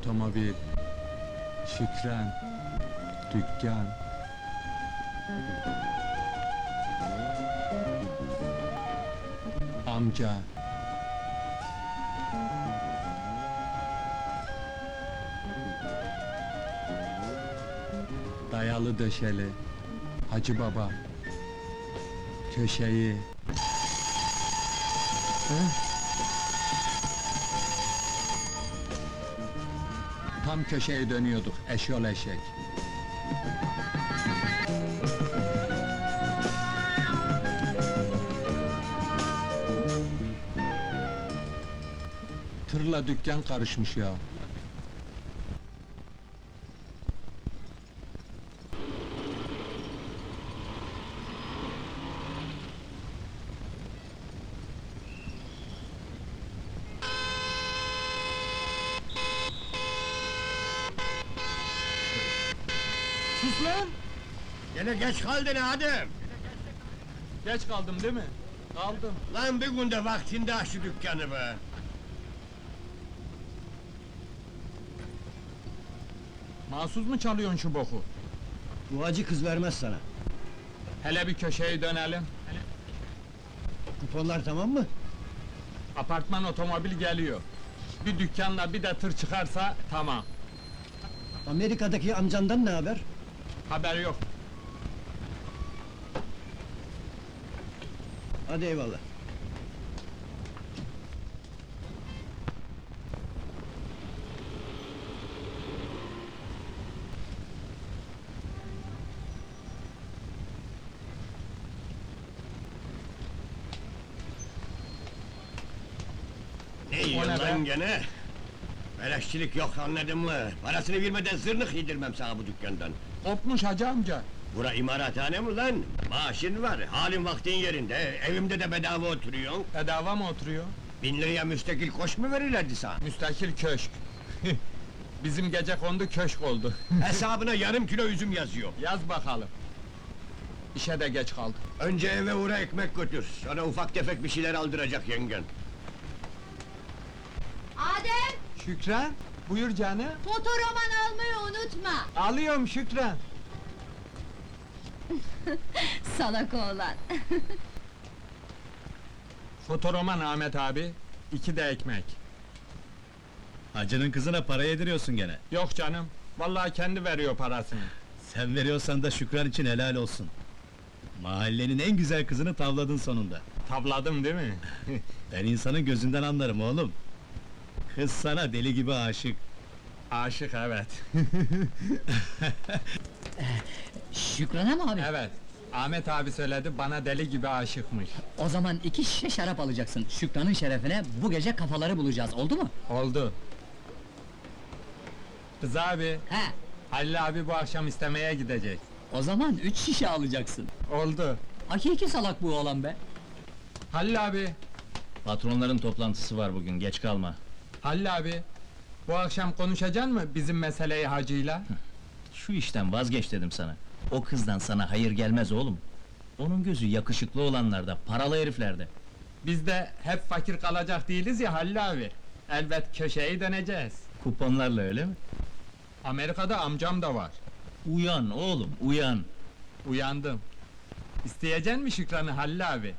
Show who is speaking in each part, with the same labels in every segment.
Speaker 1: otomobil, Şükran, dükkan. Amca. Dayalı döşeli, Hacı Baba. Köşeyi. Tam köşeye dönüyorduk, eşyol eşek. Tırla dükkan karışmış ya. Sus lan!
Speaker 2: Gene geç kaldın Adem!
Speaker 1: Geç kaldım değil mi? Kaldım.
Speaker 2: Lan bir günde vaktinde aç şu dükkanı be!
Speaker 1: Mahsus mu çalıyorsun şu boku?
Speaker 2: Bu acı kız vermez sana.
Speaker 1: Hele bir köşeye dönelim.
Speaker 2: Kuponlar tamam mı?
Speaker 1: Apartman otomobil geliyor. Bir dükkanla bir de tır çıkarsa tamam.
Speaker 2: Amerika'daki amcandan ne haber?
Speaker 1: Haber yok.
Speaker 2: Hadi eyvallah. Ne yiyorsun
Speaker 1: ne
Speaker 2: lan
Speaker 1: be?
Speaker 2: gene? Beleşçilik yok anladın mı? Parasını vermeden zırnık yedirmem sana bu dükkandan.
Speaker 1: Kopmuş hacı amca.
Speaker 2: Bura imarathane mi lan? Maaşın var, halin vaktin yerinde, evimde de bedava oturuyorsun.
Speaker 1: Bedava mı oturuyor?
Speaker 2: 1000 liraya müstakil koş mu verirlerdi sana?
Speaker 1: Müstakil köşk. Bizim gecekondu köşk oldu.
Speaker 2: Hesabına yarım kilo üzüm yazıyor.
Speaker 1: Yaz bakalım. İşe de geç kaldık.
Speaker 2: Önce eve uğra ekmek götür, sonra ufak tefek bir şeyler aldıracak yengen.
Speaker 3: Adem,
Speaker 1: Şükran, buyur canım.
Speaker 3: fotoroman almayı unutma.
Speaker 1: Alıyorum Şükran.
Speaker 3: Salak oğlan.
Speaker 1: Fotoroman Ahmet abi, 2 de ekmek.
Speaker 4: Hacının kızına para yediriyorsun gene.
Speaker 1: Yok canım, vallahi kendi veriyor parasını.
Speaker 4: Sen veriyorsan da Şükran için helal olsun. Mahallenin en güzel kızını tavladın sonunda.
Speaker 1: Tavladım değil mi?
Speaker 4: Ben insanın gözünden anlarım oğlum. Kız sana deli gibi aşık.
Speaker 1: Aşık evet.
Speaker 5: Şükran'a mı abi?
Speaker 1: Evet, Ahmet abi söyledi, bana deli gibi aşıkmış.
Speaker 5: O zaman 2 şişe şarap alacaksın. Şükran'ın şerefine bu gece kafaları bulacağız, oldu mu?
Speaker 1: Oldu. Kız abi,
Speaker 5: He,
Speaker 1: Halil abi bu akşam istemeye gidecek.
Speaker 5: o zaman 3 şişe alacaksın.
Speaker 1: Oldu.
Speaker 5: Hakiki salak bu oğlan be.
Speaker 1: Halil abi,
Speaker 4: Patronların toplantısı var bugün, geç kalma.
Speaker 1: Halil abi, bu akşam konuşacaksın mı bizim meseleyi hacıyla?
Speaker 4: Şu işten vazgeç dedim sana. O kızdan sana hayır gelmez oğlum. Onun gözü yakışıklı olanlarda, paralı heriflerde.
Speaker 1: Biz de hep fakir kalacak değiliz ya Halil abi. Elbet köşeyi döneceğiz.
Speaker 4: Kuponlarla öyle mi?
Speaker 1: Amerika'da amcam da var.
Speaker 4: Uyan oğlum, uyan!
Speaker 1: Uyandım. İsteyeceksin mi Şükran'ı Halil abi?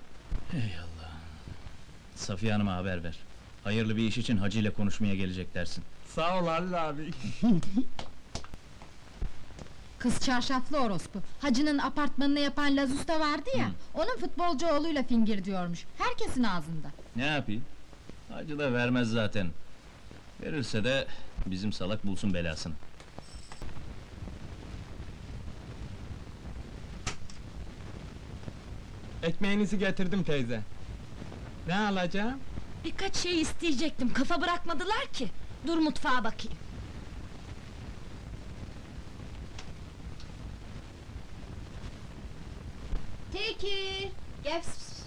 Speaker 4: Safiye Hanım'a haber ver. Hayırlı bir iş için Hacı ile konuşmaya gelecek dersin.
Speaker 1: Sağ ol Halil abi.
Speaker 3: Kız çarşaflı orospu. Hacı'nın apartmanını yapan Laz Usta vardı ya, onun futbolcu oğluyla fingir diyormuş. Herkesin ağzında.
Speaker 4: Ne yapayım? Hacı da vermez zaten. Verirse de bizim salak bulsun belasını.
Speaker 1: Ekmeğinizi getirdim teyze. Ne alacağım?
Speaker 3: Birkaç şey isteyecektim, kafa bırakmadılar ki. Dur mutfağa bakayım. Tekir, gel.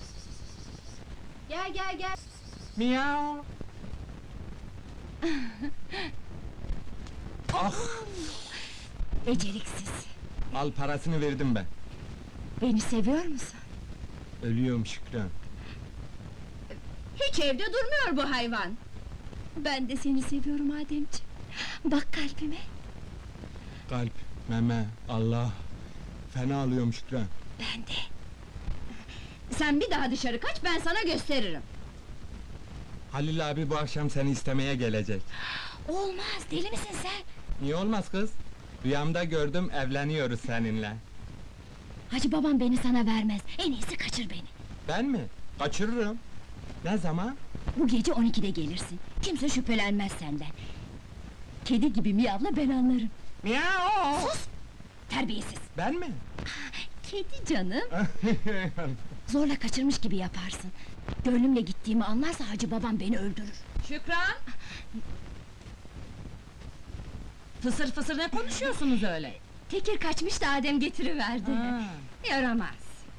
Speaker 3: Gel gel gel.
Speaker 1: Miau. Ah!
Speaker 3: Beceriksiz.
Speaker 1: Al parasını verdim ben.
Speaker 3: Beni seviyor musun?
Speaker 1: Ölüyorum Şükran.
Speaker 3: Hiç evde durmuyor bu hayvan. Ben de seni seviyorum Ademciğim.
Speaker 6: Bak kalbime.
Speaker 1: Kalp, meme, Allah. Fena alıyorum Şükran.
Speaker 6: Ben de. Sen bir daha dışarı kaç, ben sana gösteririm.
Speaker 1: Halil abi bu akşam seni istemeye gelecek.
Speaker 6: Olmaz, deli misin sen?
Speaker 1: Niye olmaz kız? Rüyamda gördüm, evleniyoruz seninle.
Speaker 6: Hacı babam beni sana vermez, en iyisi kaçır beni.
Speaker 1: Ben mi? Kaçırırım. Ne zaman?
Speaker 6: Bu gece 12'de gelirsin, kimse şüphelenmez senden. Kedi gibi miyavla, ben anlarım.
Speaker 1: Miau!
Speaker 6: Sus! Terbiyesiz!
Speaker 1: Ben mi?
Speaker 6: Kedi canım! Zorla kaçırmış gibi yaparsın. Gönlümle gittiğimi anlarsa hacı babam beni öldürür.
Speaker 7: Şükran! Fısır fısır ne konuşuyorsunuz öyle?
Speaker 6: Tekir kaçmış da Adem getiriverdi.
Speaker 7: Ha.
Speaker 6: Yaramaz!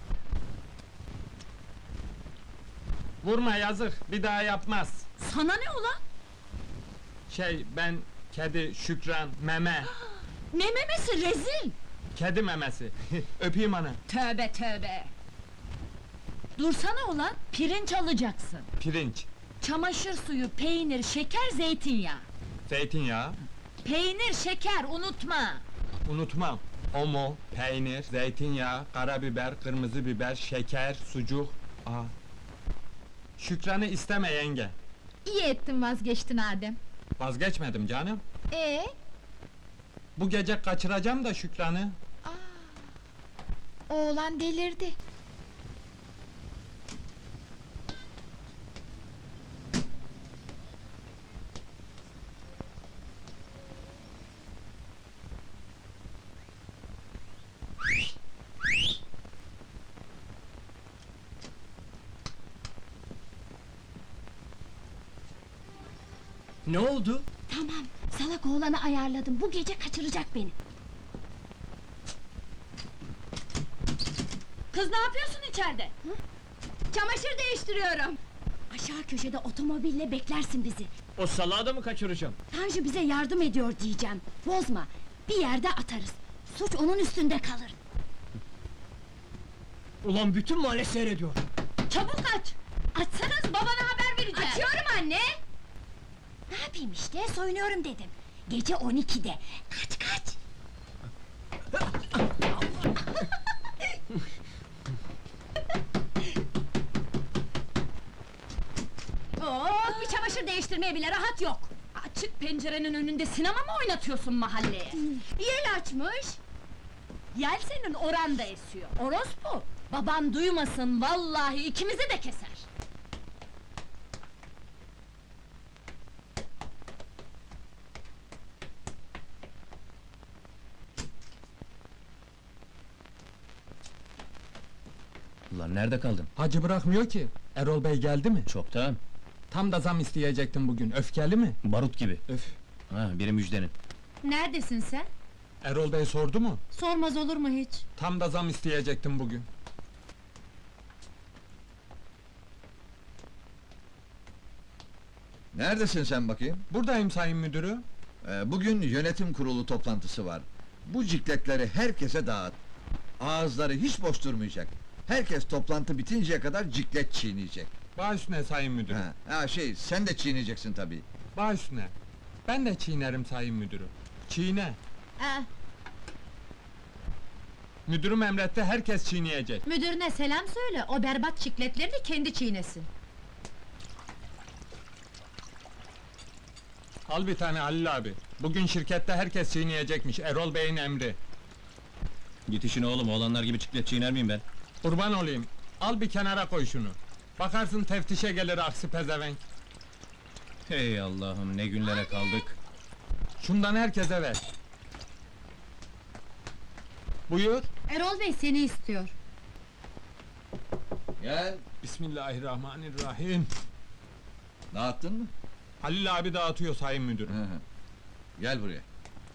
Speaker 1: Vurma yazık, bir daha yapmaz.
Speaker 7: Sana ne ulan?
Speaker 1: Ben, kedi, Şükran, meme,
Speaker 7: Ne memesi rezil!
Speaker 1: kedi memesi. Öpeyim ana.
Speaker 7: Tövbe tövbe! Dursana ulan, pirinç alacaksın.
Speaker 1: Pirinç,
Speaker 7: Çamaşır suyu, peynir, şeker, zeytinyağı.
Speaker 1: zeytinyağı,
Speaker 7: Peynir, şeker, unutma!
Speaker 1: unutmam. Omo, peynir, zeytinyağı, karabiber, kırmızı biber, şeker, sucuk. Aa. Şükran'ı isteme yenge.
Speaker 3: İyi ettin vazgeçtin Adem.
Speaker 1: Vazgeçmedim canım. Bu gece kaçıracağım da Şükran'ı.
Speaker 3: Oğlan delirdi.
Speaker 5: Ne oldu?
Speaker 6: Tamam, salak oğlanı ayarladım, bu gece kaçıracak beni.
Speaker 7: Kız ne yapıyorsun içeride?
Speaker 6: Çamaşır değiştiriyorum. Aşağı köşede otomobille beklersin bizi.
Speaker 5: O salağı da mı kaçıracağım?
Speaker 6: Tanju bize yardım ediyor diyeceğim. Bozma, bir yerde atarız. Suç onun üstünde kalır.
Speaker 5: Ulan bütün mahalle seyrediyor.
Speaker 7: Çabuk aç! Açsanız babana haber vereceğim!
Speaker 6: Açıyorum anne! Ne yapayım işte, soyunuyorum dedim. Gece 12'de. Kaç kaç!
Speaker 7: Bir çamaşır değiştirmeye bile rahat yok! Açık pencerenin önünde sinema mı oynatıyorsun mahalleye?
Speaker 6: Yel açmış!
Speaker 7: Yel senin oranda esiyor, orospu! Baban duymasın, vallahi ikimizi de keser!
Speaker 4: Ulan nerede kaldın?
Speaker 1: Hacı bırakmıyor ki. Erol Bey geldi mi?
Speaker 4: Çoktan.
Speaker 1: Tam da zam isteyecektim bugün. Öfkeli mi?
Speaker 4: Barut gibi.
Speaker 1: Öf.
Speaker 4: Ha, biri müjdenin.
Speaker 3: Neredesin sen?
Speaker 1: Erol Bey sordu mu?
Speaker 3: Sormaz olur mu hiç?
Speaker 1: Tam da zam isteyecektim bugün.
Speaker 8: Neredesin sen bakayım?
Speaker 1: Buradayım sayın müdürü.
Speaker 8: Bugün yönetim kurulu toplantısı var. Bu cikletleri herkese dağıt. Ağızları hiç boş durmayacak. Herkes toplantı bitinceye kadar ciklet çiğneyecek.
Speaker 1: Baş üstüne sayın müdürü.
Speaker 8: Sen de çiğneyeceksin tabii.
Speaker 1: Baş üstüne. Ben de çiğnerim sayın müdürü. Çiğne. Müdürüm emretti, herkes çiğneyecek.
Speaker 3: Müdürüne selam söyle, o berbat çikletleri de kendi çiğnesin.
Speaker 1: Al bir tane Halil abi. Bugün şirkette herkes çiğneyecekmiş, Erol Bey'in emri.
Speaker 4: Git işine oğlum, oğlanlar gibi çiklet çiğner miyim ben?
Speaker 1: Kurban olayım, al bir kenara koy şunu. Bakarsın teftişe gelir aksi pezevenk.
Speaker 4: Hey Allah'ım, ne günlere kaldık.
Speaker 1: Şundan herkese ver. Buyur.
Speaker 3: Erol Bey seni istiyor.
Speaker 8: Gel.
Speaker 1: Bismillahirrahmanirrahim.
Speaker 8: Dağıttın mı?
Speaker 1: Halil abi dağıtıyor sayın müdürüm.
Speaker 8: Gel buraya.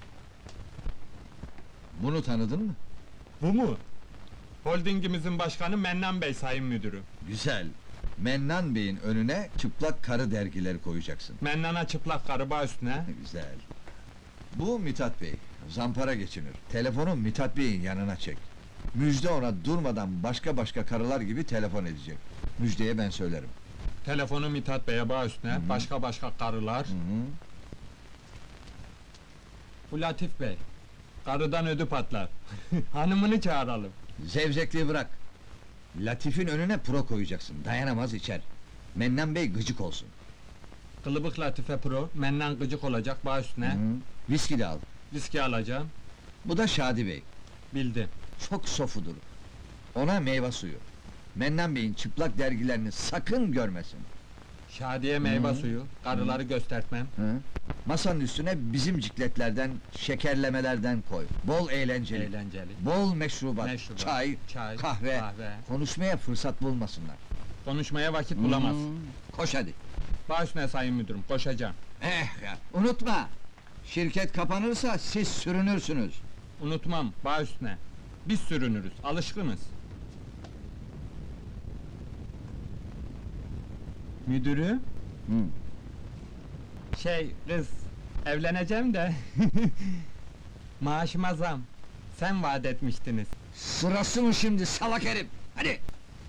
Speaker 8: Bunu tanıdın mı?
Speaker 1: Bu mu? Holdingimizin başkanı Mennan Bey sayın müdürüm.
Speaker 8: Güzel. Mennan Bey'in önüne çıplak karı dergileri koyacaksın.
Speaker 1: Mennan'a çıplak karı bağ üstüne.
Speaker 8: Güzel. Bu Mithat Bey, zampara geçinir. Telefonu Mithat Bey'in yanına çek. Müjde ona durmadan başka karılar gibi telefon edecek. Müjdeye ben söylerim.
Speaker 1: Telefonu Mithat Bey'e bağ üstüne, başka karılar. Bu Latif Bey. Karıdan ödü patlar. Hanımını çağıralım.
Speaker 8: Zevzekliği bırak. Latif'in önüne pro koyacaksın, dayanamaz içer. Mennan Bey gıcık olsun.
Speaker 1: Kılıbık Latife Pro, menden gıcık olacak, bağ üstüne.
Speaker 8: Hı. Viski de al.
Speaker 1: Viski alacağım.
Speaker 8: Bu da Şadi Bey.
Speaker 1: Bildim.
Speaker 8: Çok sofudur. Ona meyve suyu. Mennan Bey'in çıplak dergilerini sakın görmesin.
Speaker 1: Şadiye meyve suyu, karıları göstertmem.
Speaker 8: Hı? Masanın üstüne bizim cikletlerden, şekerlemelerden koy. Bol eğlenceli.
Speaker 1: Eğlenceli.
Speaker 8: Bol meşrubat,
Speaker 1: Meşrubat,
Speaker 8: çay,
Speaker 1: çay,
Speaker 8: kahve.
Speaker 1: kahve.
Speaker 8: Konuşmaya fırsat bulmasınlar.
Speaker 1: Konuşmaya vakit bulamaz.
Speaker 8: Koş hadi.
Speaker 1: Bağ üstüne sayın müdürüm, koşacağım.
Speaker 8: Ya, unutma! Şirket kapanırsa siz sürünürsünüz.
Speaker 1: Unutmam, bağ üstüne. Biz sürünürüz, alışkınız. Müdürü?
Speaker 8: Hı.
Speaker 1: Kız, evleneceğim de... Maaşıma zam. Sen vaat etmiştiniz.
Speaker 8: Sırası mı şimdi salak herif? Hadi!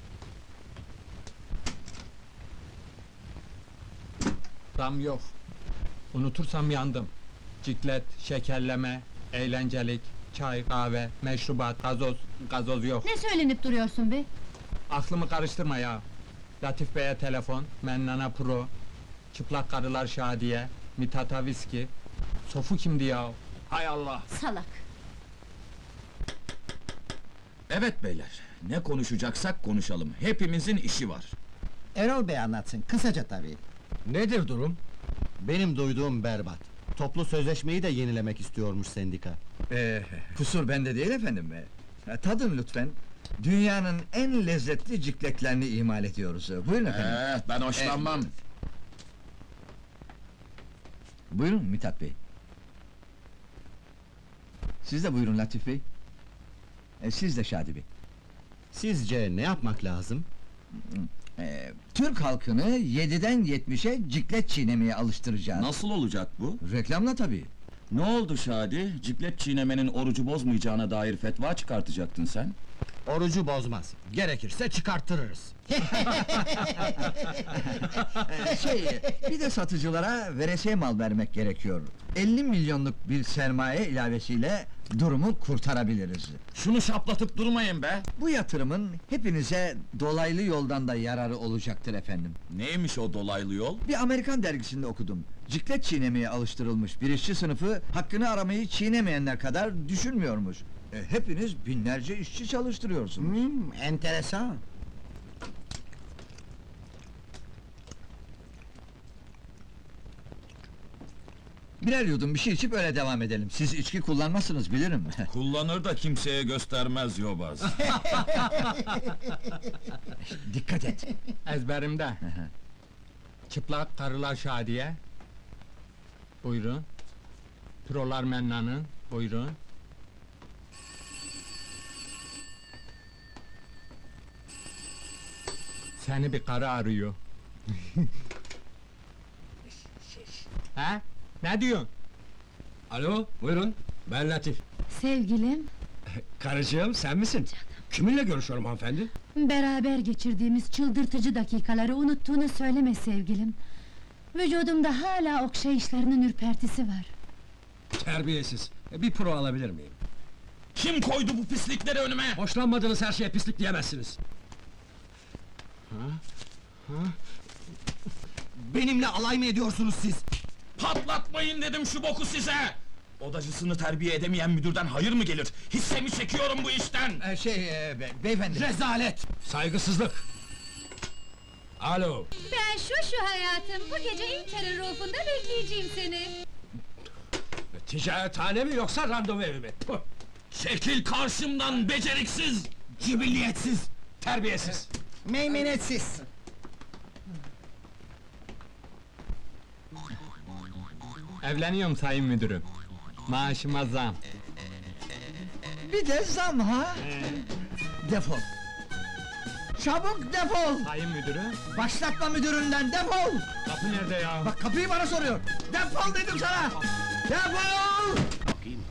Speaker 1: Zam yok. Unutursam yandım. Ciklet, şekerleme, eğlencelik, çay, kahve, meşrubat, gazoz yok.
Speaker 3: Ne söylenip duruyorsun be?
Speaker 1: Aklımı karıştırma ya. Latif Bey'e telefon, Mennana Pro, çıplak karılar Şadiye, Mithat'a viski. Sofu kimdi ya? Hay Allah!
Speaker 6: Salak.
Speaker 9: Evet beyler, ne konuşacaksak konuşalım. Hepimizin işi var.
Speaker 10: Erol Bey anlatsın, kısaca tabii.
Speaker 11: Nedir durum? Benim duyduğum berbat. Toplu sözleşmeyi de yenilemek istiyormuş sendika.
Speaker 8: Kusur bende değil efendim. Tadın lütfen. Dünyanın en lezzetli cikletlerini imal ediyoruz. Buyurun efendim.
Speaker 9: Ben hoşlanmam.
Speaker 8: Buyurun Mithat Bey. Siz de buyurun Latif Bey. Siz de Şadi Bey.
Speaker 11: Sizce ne yapmak lazım?
Speaker 8: Türk halkını 7'den 70'e ciklet çiğnemeye alıştıracağız.
Speaker 9: Nasıl olacak bu?
Speaker 8: Reklamla tabii.
Speaker 9: Ne oldu Şadi? Ciklet çiğnemenin orucu bozmayacağına dair fetva çıkartacaktın sen.
Speaker 11: Orucu bozmaz. Gerekirse çıkarttırırız.
Speaker 8: Bir de satıcılara veresiye mal vermek gerekiyor. 50 milyonluk bir sermaye ilavesiyle durumu kurtarabiliriz.
Speaker 9: Şunu şaplatıp durmayın be!
Speaker 8: Bu yatırımın hepinize dolaylı yoldan da yararı olacaktır efendim.
Speaker 9: Neymiş o dolaylı yol?
Speaker 8: Bir Amerikan dergisinde okudum. Ciklet çiğnemeye alıştırılmış bir işçi sınıfı hakkını aramayı çiğnemeyenler kadar düşünmüyormuş. Hepiniz binlerce işçi çalıştırıyorsunuz.
Speaker 10: Enteresan.
Speaker 8: Birer yudum bir şey içip öyle devam edelim. Siz içki kullanmazsınız bilirim.
Speaker 9: Kullanır da kimseye göstermez yobaz.
Speaker 8: Dikkat et.
Speaker 1: Ezberimde. Çıplak karılar Şadiye. Buyurun. Prolar Mennan'ın. Buyurun. Seni bir karı arıyor. Ha? Ne diyorsun?
Speaker 11: Alo, buyurun. Ben Latif.
Speaker 3: Sevgilim,
Speaker 11: Karıcığım, sen misin? Kiminle görüşüyorum hanımefendi?
Speaker 3: beraber geçirdiğimiz çıldırtıcı dakikaları unuttuğunu söyleme sevgilim. Vücudumda hala okşayışlarının ürpertisi var.
Speaker 11: Terbiyesiz. Bir pro alabilir miyim?
Speaker 9: Kim koydu bu pislikleri önüme?
Speaker 11: Hoşlanmadığınız her şeye pislik diyemezsiniz. Benimle alay mı ediyorsunuz siz?
Speaker 9: Patlatmayın dedim şu boku size! Odacısını terbiye edemeyen müdürden hayır mı gelir? Hissemi çekiyorum bu işten!
Speaker 8: Beyefendi.
Speaker 11: Rezalet! Saygısızlık! Alo!
Speaker 6: Ben şu hayatım, bu gece Inter'in rufunda bekleyeceğim seni.
Speaker 11: Ticarethane mi yoksa randevu evi mi? Puh!
Speaker 9: Çekil karşımdan beceriksiz!
Speaker 11: Cibilliyetsiz! Terbiyesiz!
Speaker 10: Meymenetsiz.
Speaker 1: Evleniyorum sayın müdürüm. Maaşıma zam.
Speaker 8: Bir de zam ha? Defol. Çabuk defol!
Speaker 1: Sayın müdürüm.
Speaker 8: Başlatma müdüründen defol!
Speaker 1: Kapı nerede ya?
Speaker 8: Bak kapıyı bana soruyor. Defol dedim sana! Defol!